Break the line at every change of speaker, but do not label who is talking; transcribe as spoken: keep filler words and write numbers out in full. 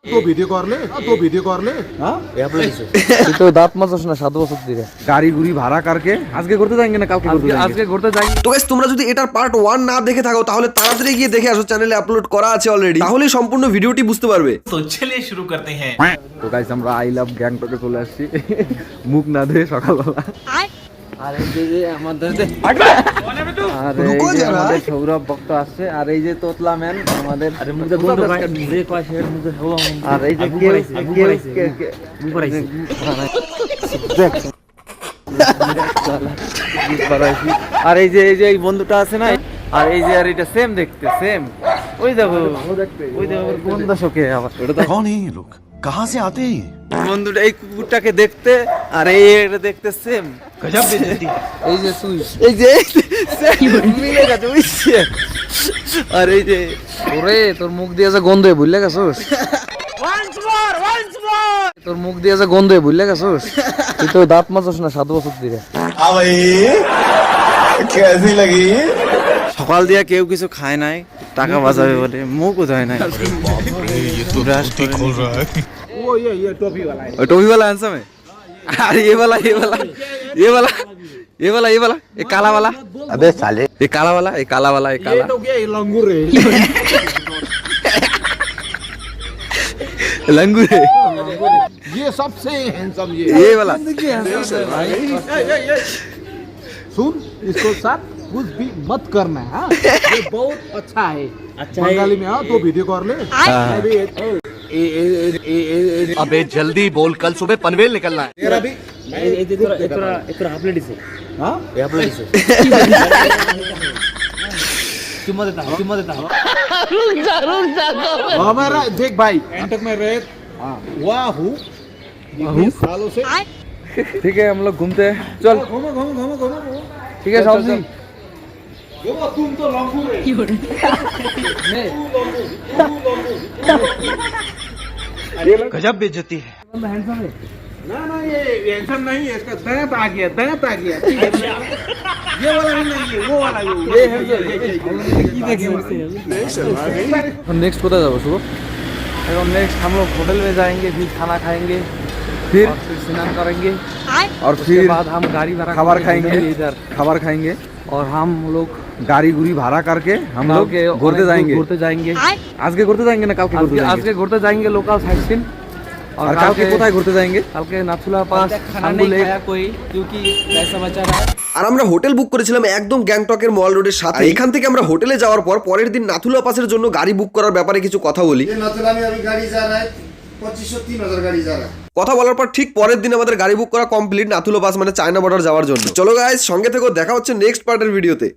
তো ভিডিও করলে তো ভিডিও করলে
हाँ তুই তো দাঁত মাজাস না সাত বছর ধরে গাড়ি গুড়ি ভাড়া কারকে আজকে ঘুরতে যাएंगे না কালকে ঘুরতে আজকে ঘুরতে যাएंगे।
তো গাইস তোমরা যদি এটার পার্ট ওয়ান না দেখে থাকো তাহলে তাড়াতাড়ি গিয়ে দেখে আসো, চ্যানেলে আপলোড করা আছে অলরেডি, তাহলে সম্পূর্ণ ভিডিওটি বুঝতে পারবে।
तो चलिए शुरू करते हैं।
তো গাইস আমরা আই লাভ গ্যাংটকে চলে আসছি মুখ না ধুয়ে সকালবেলা। আর এই যে যে আমাদের যে আর এই যে আমাদের সৌরভ ভক্ত আসছে, আর এই যে তোতলা ম্যান আমাদের আরে মুখে বন্ধ করে মুখে কয় শের মুখে হওয়া, আর এই যে কেউ কেউ মুখ করাইছে আর এই যে এই যে এই বন্ধুটা আছে না, আর এই যে আর এটা সেম দেখতে সেম, ওই দেখো ওই দেখো কোন দশকে আবার ওটা তো
कौन है ये लोग, कहाँ से आते हैं ये?
বন্ধুটা এই কুকুরটাকে দেখতে আর এই এটা দেখতে সেম।
गजब बेइज्जती।
এই যে সুই এই যে মিলে গেছে বুঝছিস, আর এই যে ওরে তোর মুখ দিয়ে যে গন্ধ ভুলে গেছস, তোর মুখ দিয়ে যে গন্ধ ভুলে গেছস, তুই তো দাঁত মাজাস না সাত বছর ধরে। সকাল দিয়া কেউ কিছু খায় নাই, টাকা বাঁচাবে বলে মুখও ধয় নাই।
वो ये ये टोपी वाला है।
और टोपी वाला हैंडसम है, अरे ये वाला ये वाला ये वाला ये वाला ये वाला ये काला वाला,
अबे साले
ये काला वाला ये काला वाला ये
ये
काला
तो क्या ये लंगूर है।
लंगूर है
ये सबसे हैंडसम ये
ये वाला।
सुन, इसको साथ कुछ भी मत करना है, हाँ? ये बहुत अच्छा है, अच्छा बंगाली में हाँ तो वीडियो कर ले। अभी ए- ए- ए- ए- ए- ए-
अबे जल्दी बोल, कल सुबह पनवेल निकलना है।
तेरा भी हाँ हमारा देख भाई नाटक में रहे वाह हूँ सालों से।
ठीक है हम लोग घूमते हैं, चल
घूमो घूमो घूमो घूमो घूमो।
ठीक है साहब जी।
देखो तुम तो लंगूर है।
गजब बेइज्जती है।
ना ना ये हैंडसम नहीं है, इसका दांत आ गया दांत आ गया। ये वाला भी नहीं है, वो वाला ये ये है ये
नेक्स्ट कोথায় যাবো শুভ? এখন नेक्स्ट हम लोग होटल में जाएंगे, फिर खाना खाएंगे, फिर स्नान करेंगे और फिर बाद हम गाड़ी भाड़ा खाबार खाएंगे इधर खाबार खाएंगे और हम लोग गाड़ी गुड़ी भाड़ा करके हम लोग घूरते जाएंगे घूरते जाएंगे আজকে ঘুরতে যাएंगे না কালকে ঘুরতে যাएंगे? আজকে ঘুরতে যাएंगे लोकल साइट सीन। और কালকে কোথায় ঘুরতে जाएंगे? কালকে নাথুলা পাস খানবু লেক कोई क्योंकि पैसा बचा रहा है।
আর আমরা হোটেল বুক করেছিলাম একদম গ্যাংটকের মল রোডের সাথে। এখান থেকে আমরা হোটেলে যাওয়ার পর পরের দিন নাথুলা পাসের জন্য গাড়ি বুক করার ব্যাপারে কিছু কথা বলি।
नाथुला में अभी गाड़ी जा रहा है पच्चीस सौ तीन हजार गाड़ी जा रहा है।
কথা বলার পর ঠিক পরের দিন আমাদের গাড়ি বুক করা কমপ্লিট নাথুলা পাস মানে চায়না বর্ডার যাওয়ার জন্য। চলো গাইস সঙ্গে থেকো, দেখা হচ্ছে নেক্সট পার্টের ভিডিওতে।